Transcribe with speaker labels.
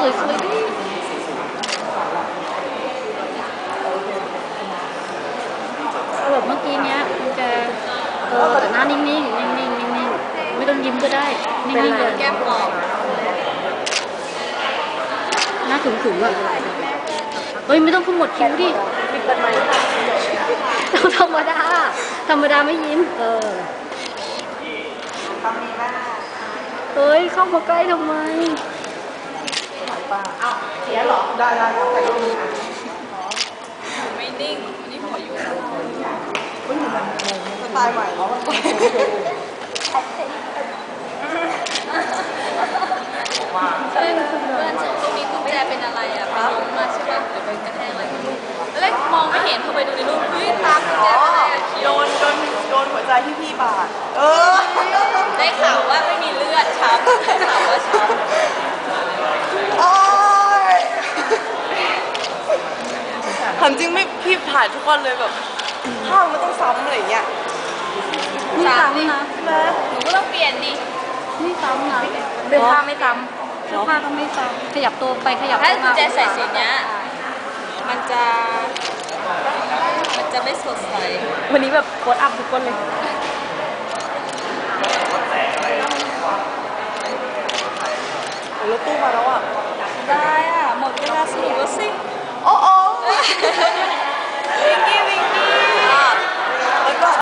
Speaker 1: สวยดิแบบเมื่อกี้เนี้ยมันจะแต่หน้านิ่งๆนิ่งๆนิ่งๆไม่ต้องยิ้มก็ได้นิ่งๆเลย
Speaker 2: แก้มกรอบ
Speaker 1: หน้าขึงๆอ่ะเฮ้ยไม่ต้องขมวดคิ้วดิต้องธรรมดาไม่ยิ้มเฮ้ยเข้ามาใกล้ทำไม
Speaker 3: อ้าวเสียหรอได้ครับแต่ก็มี
Speaker 2: ไม่นิ่งนี่หัวอยู่
Speaker 3: สไตล์ใหม่เนาะ
Speaker 2: เพื่อนตรงนี้กุญแจเป็นอะไรอ่ะไปล้มมาใช่ป่ะหรือไปกระแทกอะไรแล้วมองไม่เห็นพอไปดูในรูปเฮ้ยตามกุญแจเป็นอะไรอ่ะ
Speaker 3: โดนหัวใจพี่บาด
Speaker 2: ได้ข่าวว่าไม่มีเลือดช้ำได้ข่าวว่าช้ำ
Speaker 3: ถามจริงไม่พี่ถ่ายทุกวันเลยแบบภาพมันต้องซ้ำอะไรอย่างเงี้ย
Speaker 1: นี่ซ้ำนะ
Speaker 2: หนูก็ต้องเปลี่ยนดิ
Speaker 1: นี่ซ้ำนะ
Speaker 2: เสื้อผ้าไม่ซ้ำ
Speaker 1: เสื้อผ้าก็ไม่ซ้ำขยับตัวไปขยับ
Speaker 2: ถ้า
Speaker 1: มา
Speaker 2: กุญแจใส่สีเนี้ยมันจะไม่สดใส
Speaker 1: วันนี้แบบโค้ดอัพทุกคนเลย
Speaker 3: รถตู้มาแล้วอ่ะ
Speaker 2: ได้อ่ะหมดเวลาสรุปแล้วสิ
Speaker 3: โอ้